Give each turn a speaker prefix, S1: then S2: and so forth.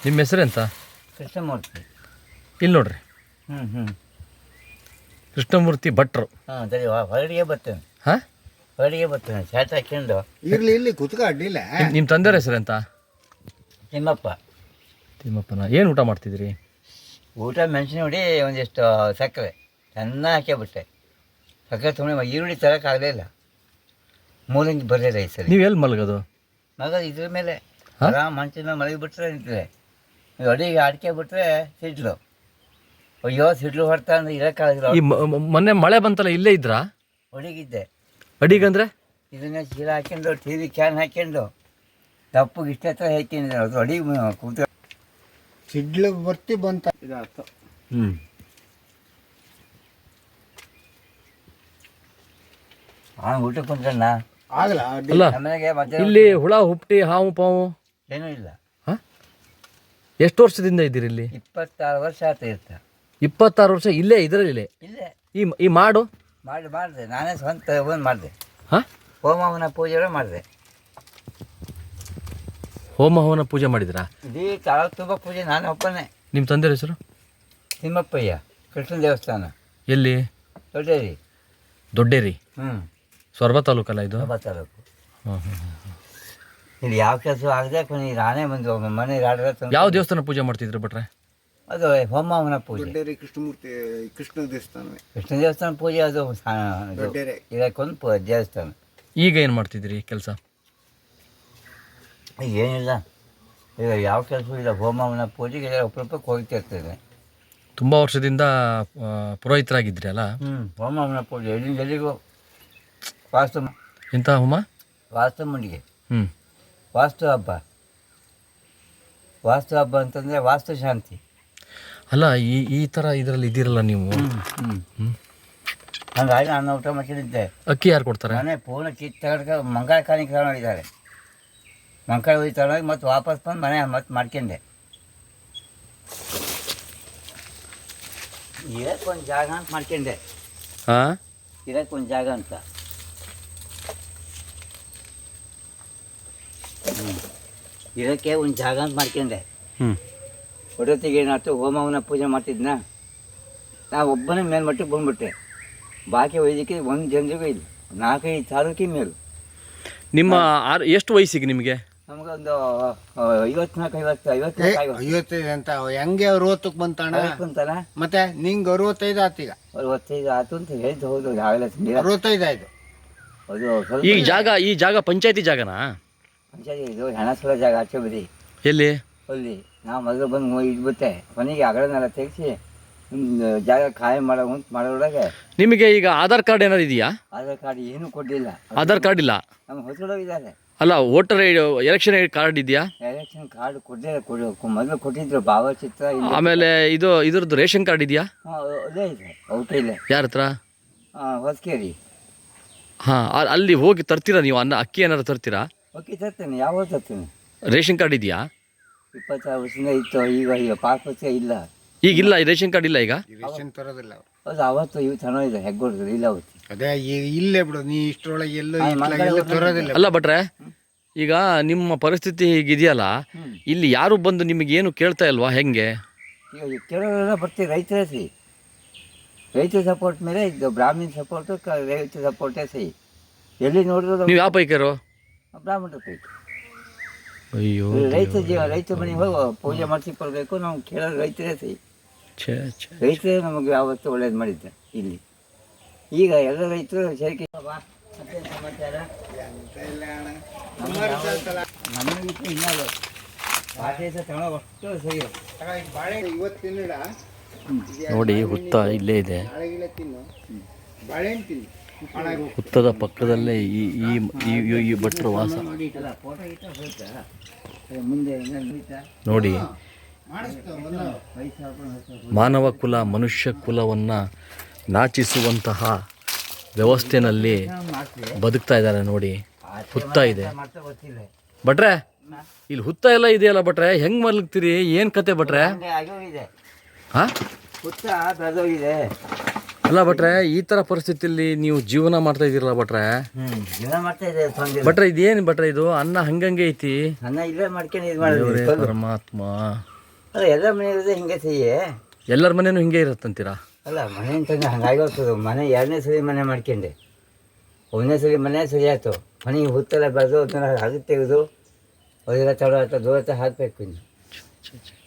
S1: ನಿಮ್ಮ ಹೆಸರೆಂತ?
S2: ಕೃಷ್ಣಮೂರ್ತಿ.
S1: ಇಲ್ಲಿ ನೋಡ್ರಿ, ಕೃಷ್ಣಮೂರ್ತಿ ಭಟ್ರು.
S2: ಸರಿ, ಹೊರಡಿಗೆ ಬರ್ತೇನೆ.
S1: ಹಾಂ,
S2: ಹೊರಡಿಗೆ ಬರ್ತೇನೆ. ಶಾರ್ಟ್ ಹಾಕ್ಕೊಂಡು
S3: ಇಲ್ಲಿ ಕುತ್ಕ ಅಡ್ಡಿಲ್ಲ.
S1: ನಿಮ್ಮ ತಂದೆಯವ್ರ ಹೆಸರೆಂತ?
S2: ತಿಮ್ಮಪ್ಪ.
S1: ತಿಮ್ಮಪ್ಪನ. ಏನು ಊಟ ಮಾಡ್ತಿದ್ರಿ?
S2: ಊಟ ಮೆಣಸಿನ ಹುಡಿ, ಒಂದಿಷ್ಟು ಸಕ್ಕರೆ ಚೆನ್ನಾಗಿ ಹಾಕ್ಯಾಬಿಟ್ಟೆ. ಸಕ್ಕರೆ ತೊಗೊಂಡು ಈರುಳ್ಳಿ ತರೋಕ್ಕಾಗಲಿಲ್ಲ, ಮೂಲಂಗಿ ಬರಲಿಲ್ಲ ಈ ಸರಿ.
S1: ನೀವು ಎಲ್ಲಿ ಮಲಗೋದು?
S2: ಮಗ ಇದ್ರ ಮೇಲೆ ಆರಾಮ್ ಮಂಚಿನ ಮೇಲೆ ಮಲಗಿಬಿಟ್ರೆ ನಿಂತದೆ. ಅಡಿಗೆ ಅಡಿಕೆ ಬಿಟ್ರೆ ಸಿಡ್ಲು. ಅಯ್ಯೋ ಸಿಡ್ಲು ಹೊಡ್ತಾ ಅಂದ್ರೆ ಇರೋಕ್ಕಾಗಲ್ಲ.
S1: ಈ ಮೊನ್ನೆ ಮಳೆ ಬಂತಲ್ಲ, ಇಲ್ಲೇ ಇದ್ರಾ?
S2: ಅಡಿಗಿದ್ದೆ.
S1: ಅಡಿಗಂದ್ರೆ
S2: ಇದನ್ನ ಚೀಲ ಹಾಕ್ಕೊಂಡು ಟಿ ವಿ ಕ್ಯಾನ್ ಹಾಕ್ಕೊಂಡು ತಪ್ಪಗೆ ಇಷ್ಟ ಹತ್ರ ಹಾಕಿದ್ರೆ ಅದು ಅಡಿಗೆ ಕೂತ
S3: ಸಿಡ್ಲು ಬರ್ತಿ ಬಂತ ಇದಾಯ್ತು.
S2: ಊಟಕ್ಕೆ ಕುಂತ್ಕೊಂಡ
S3: ಆಗಲ್ಲ
S1: ಅಲ್ಲ,
S2: ಆಮೇಲೆ ಮತ್ತೆ
S1: ಇಲ್ಲಿ ಹುಳ ಹುಪ್ಟಿ ಹಾವು ಪಾವು
S2: ಏನೂ ಇಲ್ಲ.
S1: ಹಾಂ, ಎಷ್ಟು ವರ್ಷದಿಂದ ಇದ್ದೀರಿ ಇಲ್ಲಿ?
S2: 26 ವರ್ಷ ಆಯ್ತು ಇರ್ತ.
S1: 26 ವರ್ಷ ಇಲ್ಲೇ ಇದರಲ್ಲಿ?
S2: ಇಲ್ಲೇ
S1: ಈ ಮಾಡು
S2: ಮಾಡಿದೆ ನಾನೇ ಸ್ವಂತ ಒಂದು ಮಾಡಿದೆ.
S1: ಹಾಂ,
S2: ಹೋಮವನ ಪೂಜೆ ಮಾಡಿದೆ.
S1: ಹೋಮ ಹವನ ಪೂಜೆ ಮಾಡಿದ್ರಾ?
S2: ಇಡೀ ತಾಲೂಕು ತುಂಬ ಪೂಜೆ ನಾನು ಒಪ್ಪನೆ.
S1: ನಿಮ್ಮ ತಂದೆಯ ಹೆಸರು?
S2: ತಿಮ್ಮಪ್ಪಯ್ಯ. ಕೃಷ್ಣ ದೇವಸ್ಥಾನ.
S1: ಎಲ್ಲಿ?
S2: ದೊಡ್ಡೇರಿ.
S1: ದೊಡ್ಡೇರಿ. ಸೊರಬ ತಾಲೂಕಲ್ಲ ಇದು?
S2: ಸೊರಬ ತಾಲೂಕು.
S1: ಹಾಂ.
S2: ಇಲ್ಲಿ ಯಾವ ಕೆಲಸ ಆಗದೆ ಕೊನೆ ನಾನೇ ಬಂದು ಮನೆ
S1: ಯಾವ ದೇವಸ್ಥಾನ ಪೂಜೆ ಮಾಡ್ತಿದ್ರು ಭಟ್ರೆ?
S2: ಅದು ಹೋಮವನ ಪೂಜೆ.
S3: ದೊಡ್ಡೇರಿ ಕೃಷ್ಣಮೂರ್ತಿ ಕೃಷ್ಣ ದೇವಸ್ಥಾನವೇ.
S2: ಕೃಷ್ಣ ದೇವಸ್ಥಾನ ಪೂಜೆ. ಅದು
S3: ದೊಡ್ಡೇರಿ
S2: ಇದಕ್ಕೊಂದು ದೇವಸ್ಥಾನ.
S1: ಈಗ ಏನು ಮಾಡ್ತಿದ್ರಿ ಕೆಲಸ?
S2: ಏನಿಲ್ಲ, ಈಗ ಯಾವ ಕೆಲಸವೂ ಇಲ್ಲ. ಹೋಮವನ ಪೂಜೆಗೆ ಅಪರೂಪಕ್ಕೆ ಹೋಗ್ತಿರ್ತೇನೆ.
S1: ತುಂಬ ವರ್ಷದಿಂದ ಪುರೋಹಿತರಾಗಿದ್ರಿ ಅಲ್ಲ?
S2: ಹೋಮವನ ಪೂಜೆ ಎಲ್ಲಿಗೂ. ವಾಸ್ತು
S1: ಎಂಥ ಹೋಮ?
S2: ವಾಸ್ತು ಮುಂಡಿಗೆ. ವಾಸ್ತು ಹಬ್ಬ. ವಾಸ್ತು ಹಬ್ಬ ಅಂತಂದರೆ ವಾಸ್ತು ಶಾಂತಿ.
S1: ಅಲ್ಲ, ಈ ಥರ ಇದರಲ್ಲಿ ಇದ್ದೀರಲ್ಲ ನೀವು.
S2: ಹಂಗಾಗಿ ನಾನು ಊಟ ಮಾಡ್ಕೊಂಡಿದ್ದೆ.
S1: ಅಕ್ಕಿ ಯಾರು ಕೊಡ್ತಾರೆ?
S2: ನಾನೇ ಪೂರ್ಣ ಕಿತ್ತು ತಗೊಂಡು ಮಂಗಳ ಕಾಣಿಕೆ ತಗೊಂಡಿದ್ದಾರೆ. ಮಂಗಳ ಹೋಗಿ ತಗೊಂಡೋಗಿ ಮತ್ತೆ ವಾಪಸ್ ಬಂದು ಮನೆ ಮತ್ತೆ ಮಾಡ್ಕೊಂಡೆ. ಇರೋಕ್ಕೊಂದು ಜಾಗ ಅಂತ ಮಾಡ್ಕೊಂಡೆ.
S1: ಹಾಂ,
S2: ಇರೋಕ್ಕೊಂದು ಜಾಗ ಅಂತ. ಇರೋಕ್ಕೆ ಒಂದು ಜಾಗ ಅಂತ ಮಾಡ್ಕೊಂಡೆ. ಒಡತಿಗೆ ಏನಾಯ್ತು, ಹೋಮವನ ಪೂಜೆ ಮಾಡ್ತಿದ್ನ, ನಾವು ಒಬ್ಬನೇ ಮೇಲ್ಮಟ್ಟಿಗೆ ಬಂದ್ಬಿಟ್ಟೆ. ಬಾಕಿ ವೈದ್ಯಕ್ಕೆ ಒಂದು ಜನರಿಗೂ ಇಲ್ಲ. 4-5 ತಾಲೂಕಿನ ಮೇಲು.
S1: ನಿಮ್ಮ ಎಷ್ಟು ವಯಸ್ಸಿಗೆ ನಿಮಗೆ?
S2: ನಮಗೊಂದು 54-55
S3: 55 ಅಂತ ಹೆಂಗೆ 60ಕ್ಕೆ ಬಂತಾಣ
S2: ಅಂತಲ್ಲ.
S3: ಮತ್ತೆ ನಿಂಗೆ 65 ಆತೀಗ?
S2: 65 ಆಯ್ತು ಅಂತ ಹೇಳಿದ್ದು. ಹೌದು, ಆಗಲೇ
S3: 65 ಆಯ್ತು.
S2: ಅದು
S1: ಈ ಜಾಗ ಪಂಚಾಯತಿ ಜಾಗನಾ?
S2: ಪಂಚಾಯತಿ. ಇದು ಹಣ ಸುಳ ಜಾಗ ಆಚೆ ಬದಿ.
S1: ಎಲ್ಲಿ?
S2: ಅಲ್ಲಿ ನಾವು ಮೊದಲು ಬಂದು ಇದ್ಬಿಟ್ಟೆ. ಕೊನೆಗೆ ಅಗಳನ್ನೆಲ್ಲ ತೆಗೆಸಿ ಜಾಗ ಖಾಲಿ ಮಾಡೋದ್ರೊಳಗೆ
S1: ನಿಮಗೆ ಈಗ ಆಧಾರ್ ಕಾರ್ಡ್ ಏನಾದ್ರು ಇದೆಯಾ?
S2: ಆಧಾರ್ ಕಾರ್ಡ್ ಏನೂ ಕೊಡಲಿಲ್ಲ.
S1: ಆಧಾರ್ ಕಾರ್ಡ್ ಇಲ್ಲ?
S2: ನಮ್ಮ ಹೊಸಡೋಗಿದ್ದಾರೆ.
S1: ಅಲ್ಲ, ವೋಟರ್ ಎಲೆಕ್ಷನ್ ಕಾರ್ಡ್ ಇದೆಯಾ?
S2: ಎಲೆಕ್ಷನ್ ಕಾರ್ಡ್ ಕೊಡಲಿಲ್ಲ. ಮೊದಲು ಕೊಟ್ಟಿದ್ರು ಭಾವಚಿತ್ರ.
S1: ಆಮೇಲೆ ಇದ್ರದ್ದು ರೇಷನ್ ಕಾರ್ಡ್ ಇದೆಯಾ?
S2: ಅದೇ ಇದೆ. ಔಟ್ ಇಲ್ಲ.
S1: ಯಾರ ಹತ್ರ?
S2: ಹೊಸಕೇರಿ.
S1: ಹಾಂ, ಅಲ್ಲಿ ಹೋಗಿ ತರ್ತೀರಾ ನೀವು? ಅಕ್ಕಿ ಏನಾದ್ರು ತರ್ತೀರಾ?
S2: ಅಕ್ಕಿ ತರ್ತೇನೆ. ಯಾವಾಗ ತರ್ತೇನೆ.
S1: ರೇಷನ್ ಕಾರ್ಡ್ ಇದೆಯಾ?
S2: 26 ವರ್ಷದಿಂದ ಇತ್ತು. ಈಗ ಪಾಸ್ ವರ್ಷ ಇಲ್ಲ.
S1: ಈಗಿಲ್ಲ, ರೇಷನ್ ಕಾರ್ಡ್ ಇಲ್ಲ ಈಗ?
S3: ರೇಷನ್ ತರೋದಿಲ್ಲ.
S2: ಹೌದು, ಅವತ್ತು ಇವು ಚೆನ್ನಾಗಿದೆ. ಹೆಗ್ಗೊಡ್ದು ಇಲ್ಲ ಅವತ್ತು.
S3: ಅದೇ ಇಲ್ಲೇ ಬಿಡು, ನೀ ಇಷ್ಟರೊಳಗೆ ಎಲ್ಲೂ ತರೋದಿಲ್ಲ.
S1: ಅಲ್ಲ ಭಟ್ರೆ, ಈಗ ನಿಮ್ಮ ಪರಿಸ್ಥಿತಿ ಹೀಗಿದೆಯಲ್ಲ, ಇಲ್ಲಿ ಯಾರು ಬಂದು ನಿಮಗೇನು ಕೇಳ್ತಾ ಇಲ್ವಾ? ಹೆಂಗೆ
S2: ಈಗ ಕೆಲವರೆಲ್ಲ ಬರ್ತೀವಿ. ರೈತರ ಸಹಿ, ರೈತರ ಸಪೋರ್ಟ್ ಮೇಲೆ ಇದ್ದು. ಬ್ರಾಹ್ಮಣ ಸಪೋರ್ಟು, ರೈತ ಸಪೋರ್ಟೇ ಸಹಿ. ಎಲ್ಲಿ ನೋಡಿದ್ರು
S1: ನೀವು ಯಾವ ಪೈಕರು?
S2: ಬ್ರಾಹ್ಮಣರ ಪೈಕಿ.
S1: ಅಯ್ಯೋ,
S2: ರೈತ ಮನೆಗೆ ಹೋಗಿ ಪೂಜೆ ಮಾಡಿಸಿ ಕೊಡಬೇಕು. ನಾವು ಕೇಳೋದು ರೈತರೇ ಸಹಿ. ರೈತರೇ ನಮಗೆ ಯಾವತ್ತೂ ಒಳ್ಳೇದು ಮಾಡಿದ್ದೆ ಇಲ್ಲಿ. ಈಗ ಎಲ್ಲ ರೈತರು ಸೇರಿಕೆ. ಸಮಾಚಾರ
S1: ನೋಡಿ, ಹುತ್ತ ಇಲ್ಲೇ ಇದೆ. ಹುತ್ತದ ಪಕ್ಕದಲ್ಲೇ ಈ ಭಟ್ರ ವಾಸ. ನೋಡಿ, ಮಾನವ ಕುಲ, ಮನುಷ್ಯ ಕುಲವನ್ನು ನಾಚಿಸುವಂತಹ ವ್ಯವಸ್ಥೆನಲ್ಲಿ ಬದುಕ್ತಾ ಇದ್ದಾರೆ. ನೋಡಿ, ಹುತ್ತ ಇದೆ ಭಟ್ರೆ. ಇಲ್ಲಿ ಹುತ್ತ ಎಲ್ಲ ಇದೆಯಲ್ಲ ಭಟ್ರೆ, ಹೆಂಗ್ ಮಲಗ್ತೀರಿ? ಏನ್ ಕತೆ ಭಟ್ರೆ? ಹಾಂ,
S2: ಹುತ್ತ ಬೆಳೆದೋಗಿದೆ.
S1: ಅಲ್ಲ ಭಟ್ರೆ, ಈ ಥರ ಪರಿಸ್ಥಿತಿಯಲ್ಲಿ ನೀವು ಜೀವನ ಮಾಡ್ತಾ ಇದ್ದೀರಲ್ಲ ಭಟ್ರೆ?
S2: ಜೀವನ ಮಾಡ್ತಾ ಇದೆ
S1: ಭಟ್ರೆ. ಇದೇನು ಭಟ್ರೆ ಇದು? ಅನ್ನ ಹಂಗಂಗೆ ಐತಿ.
S2: ಅನ್ನ ಇಲ್ಲೇ ಮಾಡ್ಕೊಂಡು ಇದು ಮಾಡಿದ್ವಿ.
S1: ಪರಮಾತ್ಮ.
S2: ಅಲ್ಲ ಎಲ್ಲ ಮನೆ ಇರೋದೇ ಹಿಂಗೆ ಸಿಹಿ.
S1: ಎಲ್ಲರ ಮನೇನೂ ಹಿಂಗೆ ಇರುತ್ತಂತೀರಾ?
S2: ಅಲ್ಲ ಮನೆ ಅಂತಂದ್ರೆ ಹಂಗಾಗಿ ಹೋಗ್ತದೆ. ಮನೆ ಎರಡನೇ ಸರಿ ಮನೆ ಮಾಡ್ಕೊಂಡೆ, ಒಂದನೇ ಸರಿ ಮನೆ ಸರಿ ಆಯ್ತು, ಮನೆಗೆ ಹುತ್ತೆಲ್ಲ ಬೆಳೆದು ಅದನ್ನ ಹಾಗೆ ತೆಗೆದು ಅದೆಲ್ಲ ತಡ ದೂರ ಹಾಕಬೇಕು ಇನ್ನು.